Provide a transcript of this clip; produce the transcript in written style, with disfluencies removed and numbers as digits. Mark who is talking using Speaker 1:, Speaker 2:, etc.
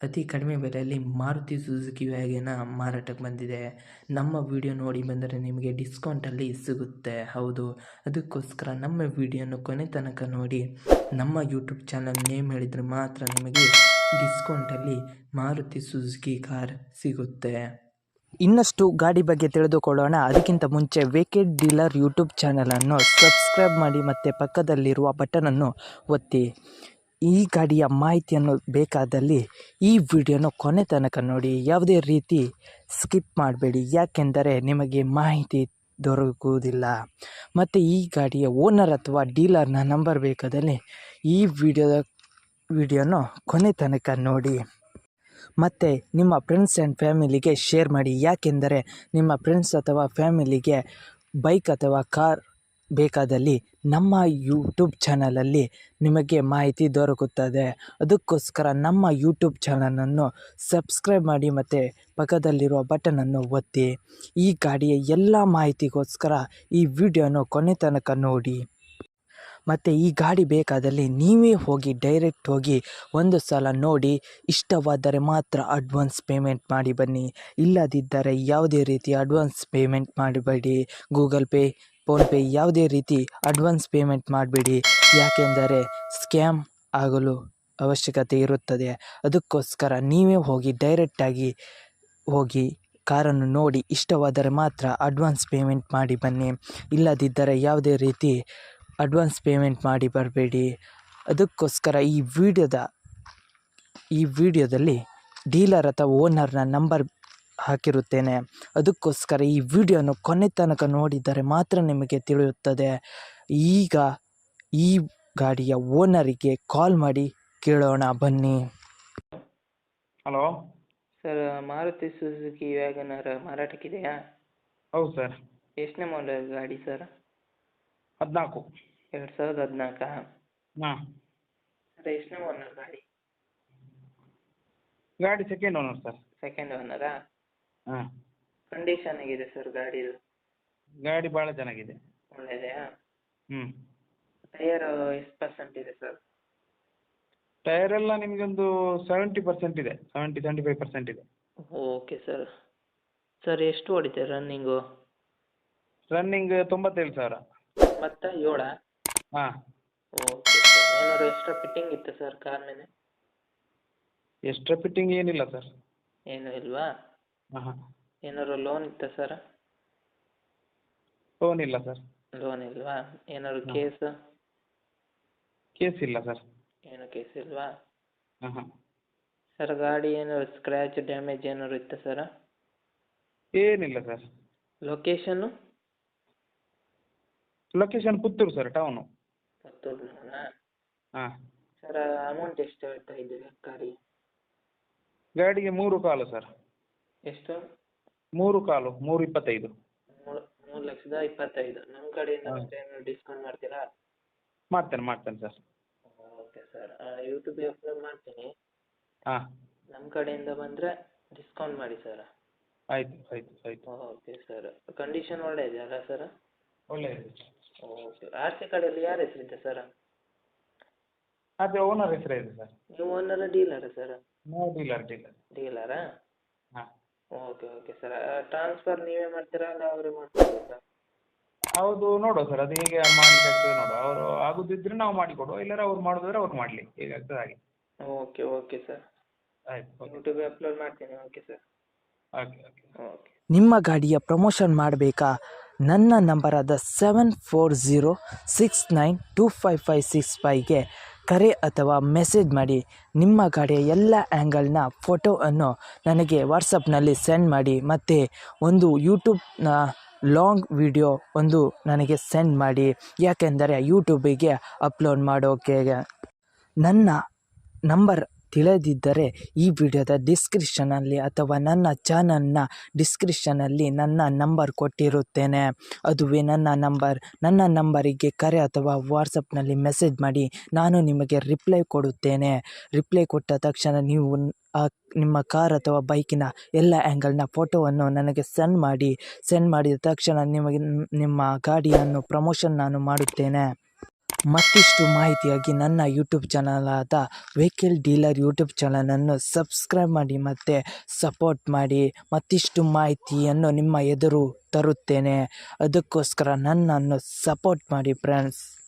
Speaker 1: ಅತಿ ಕಡಿಮೆ ಬೆಲೆಯಲ್ಲಿ ಮಾರುತಿ ಸುಜುಕಿ ವ್ಯಾಗನ ಮಾರಾಟಕ್ಕೆ ಬಂದಿದೆ. ನಮ್ಮ ವಿಡಿಯೋ ನೋಡಿ ಬಂದರೆ ನಿಮಗೆ ಡಿಸ್ಕೌಂಟಲ್ಲಿ ಸಿಗುತ್ತೆ. ಹೌದು, ಅದಕ್ಕೋಸ್ಕರ ನಮ್ಮ ವಿಡಿಯೋನ ಕೊನೆ ತನಕ ನೋಡಿ. ನಮ್ಮ ಯೂಟ್ಯೂಬ್ ಚಾನಲ್ ನೇಮ್ ಹೇಳಿದರೆ ಮಾತ್ರ ನಿಮಗೆ ಡಿಸ್ಕೌಂಟಲ್ಲಿ ಮಾರುತಿ ಸುಜುಕಿ ಕಾರ್ ಸಿಗುತ್ತೆ.
Speaker 2: ಇನ್ನಷ್ಟು ಗಾಡಿ ಬಗ್ಗೆ ತಿಳಿದುಕೊಳ್ಳೋಣ. ಅದಕ್ಕಿಂತ ಮುಂಚೆ ವೇಕೆಡ್ ಡೀಲರ್ ಯೂಟ್ಯೂಬ್ ಚಾನಲನ್ನು ಸಬ್ಸ್ಕ್ರೈಬ್ ಮಾಡಿ ಮತ್ತು ಪಕ್ಕದಲ್ಲಿರುವ ಬಟನನ್ನು ಒತ್ತಿ. ಈ ಗಾಡಿಯ ಮಾಹಿತಿಯನ್ನು ಬೇಕಾದಲ್ಲಿ ಈ ವಿಡಿಯೋನ ಕೊನೆ ತನಕ ನೋಡಿ. ಯಾವುದೇ ರೀತಿ ಸ್ಕಿಪ್ ಮಾಡಬೇಡಿ, ಯಾಕೆಂದರೆ ನಿಮಗೆ ಮಾಹಿತಿ ದೊರಕುವುದಿಲ್ಲ. ಮತ್ತು ಈ ಗಾಡಿಯ ಓನರ್ ಅಥವಾ ಡೀಲರ್ನ ನಂಬರ್ ಬೇಕಾದಲ್ಲಿ ಈ ವಿಡಿಯೋನ ಕೊನೆ ತನಕ ನೋಡಿ. ಮತ್ತು ನಿಮ್ಮ ಫ್ರೆಂಡ್ಸ್ ಆ್ಯಂಡ್ ಫ್ಯಾಮಿಲಿಗೆ ಶೇರ್ ಮಾಡಿ, ಯಾಕೆಂದರೆ ನಿಮ್ಮ ಫ್ರೆಂಡ್ಸ್ ಅಥವಾ ಫ್ಯಾಮಿಲಿಗೆ ಬೈಕ್ ಅಥವಾ ಕಾರ್ ಬೇಕಾದಲ್ಲಿ ನಮ್ಮ ಯೂಟ್ಯೂಬ್ ಚಾನಲಲ್ಲಿ ನಿಮಗೆ ಮಾಹಿತಿ ದೊರಕುತ್ತದೆ. ಅದಕ್ಕೋಸ್ಕರ ನಮ್ಮ ಯೂಟ್ಯೂಬ್ ಚಾನಲನ್ನು ಸಬ್ಸ್ಕ್ರೈಬ್ ಮಾಡಿ ಮತ್ತು ಪಕ್ಕದಲ್ಲಿರುವ ಬಟನನ್ನು ಒತ್ತಿ. ಈ ಗಾಡಿಯ ಎಲ್ಲ ಮಾಹಿತಿಗೋಸ್ಕರ ಈ ವಿಡಿಯೋನ ಕೊನೆ ತನಕ ನೋಡಿ. ಮತ್ತು ಈ ಗಾಡಿ ಬೇಕಾದಲ್ಲಿ ನೀವೇ ಹೋಗಿ ಡೈರೆಕ್ಟ್ ಹೋಗಿ ಒಂದು ಸಲ ನೋಡಿ, ಇಷ್ಟವಾದರೆ ಮಾತ್ರ ಅಡ್ವಾನ್ಸ್ ಪೇಮೆಂಟ್ ಮಾಡಿ ಬನ್ನಿ. ಇಲ್ಲದಿದ್ದರೆ ಯಾವುದೇ ರೀತಿ ಅಡ್ವಾನ್ಸ್ ಪೇಮೆಂಟ್ ಮಾಡಬೇಡಿ. ಗೂಗಲ್ ಪೇ, ಫೋನ್ಪೇ ಯಾವುದೇ ರೀತಿ ಅಡ್ವಾನ್ಸ್ ಪೇಮೆಂಟ್ ಮಾಡಬೇಡಿ, ಯಾಕೆಂದರೆ ಸ್ಕ್ಯಾಮ್ ಆಗಲು ಅವಶ್ಯಕತೆ ಇರುತ್ತದೆ. ಅದಕ್ಕೋಸ್ಕರ ನೀವೇ ಹೋಗಿ ಡೈರೆಕ್ಟಾಗಿ ಹೋಗಿ ಕಾರನ್ನು ನೋಡಿ, ಇಷ್ಟವಾದರೆ ಮಾತ್ರ ಅಡ್ವಾನ್ಸ್ ಪೇಮೆಂಟ್ ಮಾಡಿ ಬನ್ನಿ. ಇಲ್ಲದಿದ್ದರೆ ಯಾವುದೇ ರೀತಿ ಅಡ್ವಾನ್ಸ್ ಪೇಮೆಂಟ್ ಮಾಡಿ ಬರಬೇಡಿ. ಅದಕ್ಕೋಸ್ಕರ ಈ ವಿಡಿಯೋದಲ್ಲಿ ಡೀಲರ್ ಅಥವಾ ಓನರ್ನ ನಂಬರ್ ಹಾಕಿರುತ್ತೇನೆ. ಅದಕ್ಕೋಸ್ಕರ ಈ ವಿಡಿಯೋನ ಕೊನೆ ತನಕ ನೋಡಿದರೆ ಮಾತ್ರ ನಿಮಗೆ ತಿಳಿಯುತ್ತದೆ. ಈಗ ಈ ಗಾಡಿಯ ಓನರಿಗೆ ಕಾಲ್ ಮಾಡಿ ಕೇಳೋಣ ಬನ್ನಿ.
Speaker 3: Hello
Speaker 1: sir, Maruti Suzuki WagonR ಮಾರಾಟಕ್ಕಿದೆಯಾ?
Speaker 3: ಹೌದು ಸರ್.
Speaker 1: ಎಷ್ಟನೇ ಮಾಡೆಲ್ ಗಾಡಿ ಸರ್?
Speaker 3: 14.
Speaker 1: 2014?
Speaker 3: ಹಾಂ.
Speaker 1: ಸರ್, ಎಷ್ಟನೇ ಓನರ್ ಗಾಡಿ?
Speaker 3: ಗಾಡಿ ಸೆಕೆಂಡ್ ಓನರ್ ಸರ್.
Speaker 1: ಸೆಕೆಂಡ್ ಓನರಾ?
Speaker 3: ಹಾಂ.
Speaker 1: ಕಂಡೀಷನ್ ಹೇಗಿದೆ ಸರ್ ಗಾಡಿದು?
Speaker 3: ಗಾಡಿ ಭಾಳ ಚೆನ್ನಾಗಿದೆ.
Speaker 1: ಒಳ್ಳೆಯದೆಯಾ?
Speaker 3: ಹ್ಞೂ.
Speaker 1: ಟೈರ್ ಎಷ್ಟು ಪರ್ಸೆಂಟ್ ಇದೆ ಸರ್?
Speaker 3: ಟೈರ್ ಎಲ್ಲ ನಿಮಗೊಂದು 70% ಇದೆ, 75% ಇದೆ.
Speaker 1: Okay sir. ಸರ್, ಎಷ್ಟು ಓಡಿದೆ ರನ್ನಿಂಗು?
Speaker 3: ರನ್ನಿಂಗ್ 97,000.
Speaker 1: ಮತ್ತು 7?
Speaker 3: ಹಾಂ.
Speaker 1: Okay sir. ಏನಾದ್ರು ಎಕ್ಸ್ಟ್ರಾ ಫಿಟ್ಟಿಂಗ್ ಇತ್ತಾ ಸರ್ ಕಾರ್ ಮೇಲೆ?
Speaker 3: ಎಕ್ಸ್ಟ್ರಾ ಫಿಟ್ಟಿಂಗ್ ಏನಿಲ್ಲ ಸರ್.
Speaker 1: ಏನೂ ಇಲ್ವಾ?
Speaker 3: ಹಾಂ ಹಾಂ.
Speaker 1: ಏನಾದ್ರು ಲೋನ್ ಇತ್ತಾ ಸರ್?
Speaker 3: ಲೋನ್ ಇಲ್ಲ ಸರ್.
Speaker 1: ಲೋನ್ ಇಲ್ವಾ? ಏನಾದ್ರು
Speaker 3: ಹಾಂ.
Speaker 1: ಕೇಸ್?
Speaker 3: ಕೇಸ್ ಇಲ್ಲ ಸರ್.
Speaker 1: ಏನು ಕೇಸ್ ಇಲ್ವಾ?
Speaker 3: ಹಾಂ ಹಾಂ.
Speaker 1: ಸರ್, ಗಾಡಿ ಏನಾದ್ರು ಸ್ಕ್ರ್ಯಾಚ್ ಡ್ಯಾಮೇಜ್ ಏನಾದ್ರು ಇತ್ತಾ ಸರ್?
Speaker 3: ಏನಿಲ್ಲ ಸರ್.
Speaker 1: ಲೊಕೇಶನ್ನು?
Speaker 3: Location Puttur sir, town.
Speaker 1: ಪುತ್ತೂರಿನಾ?
Speaker 3: ಹಾಂ.
Speaker 1: ಸರ್, ಅಮೌಂಟ್ ಎಷ್ಟು ಹೇಳ್ತಾ ಇದ್ದೀವಿ ಗಾಡಿ?
Speaker 3: ಗಾಡಿಗೆ 3,15,000 ಸರ್.
Speaker 1: ಎಷ್ಟು?
Speaker 3: 3,15,000, 3,25,000.
Speaker 1: 3,25,000. ನಮ್ಮ ಕಡೆಯಿಂದ
Speaker 3: ಹಾಂ.
Speaker 1: ಮತ್ತೆ ಏನಾದ್ರು ಡಿಸ್ಕೌಂಟ್ ಮಾಡ್ತೀರಾ?
Speaker 3: ಮಾಡ್ತೇನೆ ಸರ್.
Speaker 1: Okay sir. ಯೂಟ್ಯೂಬಿಗೆ ಅಪ್ಲೋಡ್ ಮಾಡ್ತೀನಿ.
Speaker 3: ಹಾಂ.
Speaker 1: ನಮ್ಮ ಕಡೆಯಿಂದ ಬಂದರೆ ಡಿಸ್ಕೌಂಟ್ ಮಾಡಿ ಸರ್.
Speaker 3: ಆಯಿತು.
Speaker 1: Okay sir. ಕಂಡೀಷನ್ ಒಳ್ಳೆ ಇದೆಯಲ್ಲ ಸರ್?
Speaker 3: ಒಳ್ಳೆಯದು.
Speaker 1: ಓಕೆ. ಆರ್ ಸಿ ಕಾರ್ಡಲ್ಲಿ ಯಾರ ಹೆಸರಿದೆ ಸರ್?
Speaker 3: ಅದೇ ಓನರ್ ಹೆಸರೇ ಇದೆ ಸರ್.
Speaker 1: ನೀವು ಓನರ ಡೀಲರಾ ಸರ್?
Speaker 3: ನಾವು ಡೀಲರ್.
Speaker 1: ಡೀಲರಾ?
Speaker 3: ಹಾಂ.
Speaker 1: Okay sir. ಟ್ರಾನ್ಸ್ಫರ್ ನೀವೇ ಮಾಡ್ತೀರಾ ಅಲ್ಲ ಅವರೇ ಮಾಡ್ತೀರಾ ಸರ್?
Speaker 3: ಹೌದು, ನೋಡುವ ಸರ್, ಅದು ಹೇಗೆ ಮಾಡ್ಲಿಕ್ಕೆ ಆಗ್ತದೆ ನೋಡುವ. ಅವರು ಆಗೋದಿದ್ರೆ ನಾವು ಮಾಡಿಕೊಡುವ, ಇಲ್ಲಾರೆ ಅವ್ರು ಮಾಡೋದಾದ್ರೆ ಅವ್ರು ಮಾಡಲಿ, ಹೇಗಾಗ್ತದೆ ಹಾಗೆ.
Speaker 1: Okay sir.
Speaker 3: ಆಯ್ತು.
Speaker 1: ಯೂಟ್ಯೂಬಿಗೆ ಅಪ್ಲೋಡ್ ಮಾಡ್ತೀನಿ. Okay sir. ಓಕೆ.
Speaker 2: ನಿಮ್ಮ ಗಾಡಿಯ ಪ್ರಮೋಷನ್ ಮಾಡಬೇಕಾ? ನನ್ನ ನಂಬರಾದ 7406925565ಗೆ ಕರೆ ಅಥವಾ ಮೆಸೇಜ್ ಮಾಡಿ. ನಿಮ್ಮ ಗಾಡಿಯ ಎಲ್ಲ ಆ್ಯಂಗಲ್ನ ಫೋಟೋವನ್ನು ನನಗೆ ವಾಟ್ಸಪ್ನಲ್ಲಿ ಸೆಂಡ್ ಮಾಡಿ. ಮತ್ತು ಒಂದು ಯೂಟ್ಯೂಬ್ನ ಲಾಂಗ್ ವಿಡಿಯೋ ಒಂದು ನನಗೆ ಸೆಂಡ್ ಮಾಡಿ, ಯಾಕೆಂದರೆ ಯೂಟ್ಯೂಬಿಗೆ ಅಪ್ಲೋಡ್ ಮಾಡೋಕೆ. ನನ್ನ ನಂಬರ್ ತಿಳಿದಿದ್ದರೆ ಈ ವಿಡಿಯೋದ ಡಿಸ್ಕ್ರಿಪ್ಷನಲ್ಲಿ ಅಥವಾ ನನ್ನ ಚಾನಲ್ನ ಡಿಸ್ಕ್ರಿಪ್ಷನಲ್ಲಿ ನನ್ನ ನಂಬರ್ ಕೊಟ್ಟಿರುತ್ತೇನೆ. ಅದುವೇ ನನ್ನ ನಂಬರ್. ನನ್ನ ನಂಬರಿಗೆ ಕರೆ ಅಥವಾ ವಾಟ್ಸಪ್ನಲ್ಲಿ ಮೆಸೇಜ್ ಮಾಡಿ, ನಾನು ನಿಮಗೆ ರಿಪ್ಲೈ ಕೊಡುತ್ತೇನೆ. ರಿಪ್ಲೈ ಕೊಟ್ಟ ತಕ್ಷಣ ನೀವು ನಿಮ್ಮ ಕಾರ್ ಅಥವಾ ಬೈಕಿನ ಎಲ್ಲ ಆ್ಯಂಗಲ್ನ ಫೋಟೋವನ್ನು ನನಗೆ ಸೆಂಡ್ ಮಾಡಿದ ತಕ್ಷಣ ನಿಮಗೆ ನಿಮ್ಮ ಗಾಡಿಯನ್ನು ಪ್ರಮೋಷನ್ ನಾನು ಮಾಡುತ್ತೇನೆ. ಮತ್ತಿಷ್ಟು ಮಾಹಿತಿಯಾಗಿ ನನ್ನ ಯೂಟ್ಯೂಬ್ ಚಾನಲ್ ಆದ ವೆಹಿಕಲ್ ಡೀಲರ್ ಯೂಟ್ಯೂಬ್ ಚಾನಲನ್ನು ಸಬ್ಸ್ಕ್ರೈಬ್ ಮಾಡಿ ಮತ್ತು ಸಪೋರ್ಟ್ ಮಾಡಿ. ಮತ್ತಿಷ್ಟು ಮಾಹಿತಿಯನ್ನು ನಿಮ್ಮ ಎದುರು ತರುತ್ತೇನೆ. ಅದಕ್ಕೋಸ್ಕರ ನನ್ನನ್ನು ಸಪೋರ್ಟ್ ಮಾಡಿ ಫ್ರೆಂಡ್ಸ್.